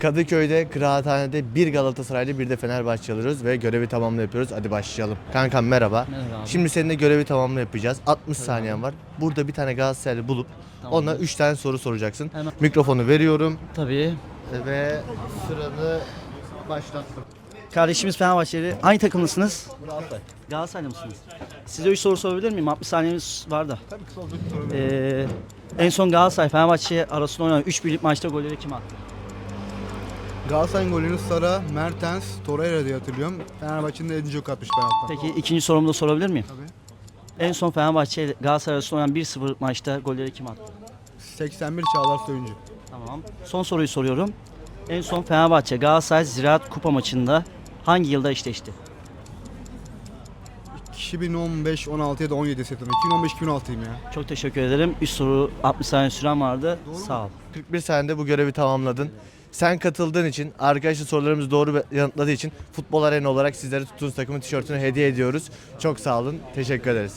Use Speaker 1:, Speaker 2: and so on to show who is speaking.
Speaker 1: Kadıköy'de kıraathanede bir Galatasaraylı bir de Fenerbahçe alıyoruz ve görevi tamamla yapıyoruz. Hadi başlayalım. Kankam merhaba.
Speaker 2: Merhaba abi.
Speaker 1: Şimdi seninle görevi tamamla yapacağız. 60 saniyen var. Burada bir tane Galatasaraylı bulup
Speaker 2: Tamam.
Speaker 1: ona 3 tane soru soracaksın.
Speaker 2: Hemen.
Speaker 1: Mikrofonu veriyorum
Speaker 2: Tabii.
Speaker 1: ve sıranı başlattım.
Speaker 2: Kardeşimiz Fenerbahçeli. Hangi takımlısınız? Galatasaraylı mısınız? Size 3 soru sorabilir miyim? 60 saniyemiz var da.
Speaker 3: Tabii ki sorabilirim.
Speaker 2: En son Galatasaray Fenerbahçe arasında oynanan 3 birlik maçta golleri kim attı?
Speaker 3: Galatasaray'ın golünü Sara, Mertens, Torreira diye hatırlıyorum. Fenerbahçe'nin de Edin Dzeko atmış penaltıdan.
Speaker 2: Peki ikinci sorumu da sorabilir miyim?
Speaker 3: Tabii.
Speaker 2: En son Fenerbahçe ile Galatasaray arasında oynanan 1-0 maçta golleri kim attı?
Speaker 3: 81 Çağlar Söyüncü.
Speaker 2: Tamam. Son soruyu soruyorum. En son Fenerbahçe Galatasaray Ziraat Kupa maçında hangi yılda eşleşti?
Speaker 3: 2015, 16 ya da 17 setim. 2015-2016'yım ya.
Speaker 2: Çok teşekkür ederim. 3 soru 60 saniye süren vardı. Sağ ol.
Speaker 1: 41 saniyede bu görevi tamamladın. Sen katıldığın için, arkadaşlar sorularımızı doğru yanıtladığı için Futbol Arena olarak sizlere tuttuğunuz takımın tişörtünü hediye ediyoruz. Çok sağ olun. Teşekkür ederiz.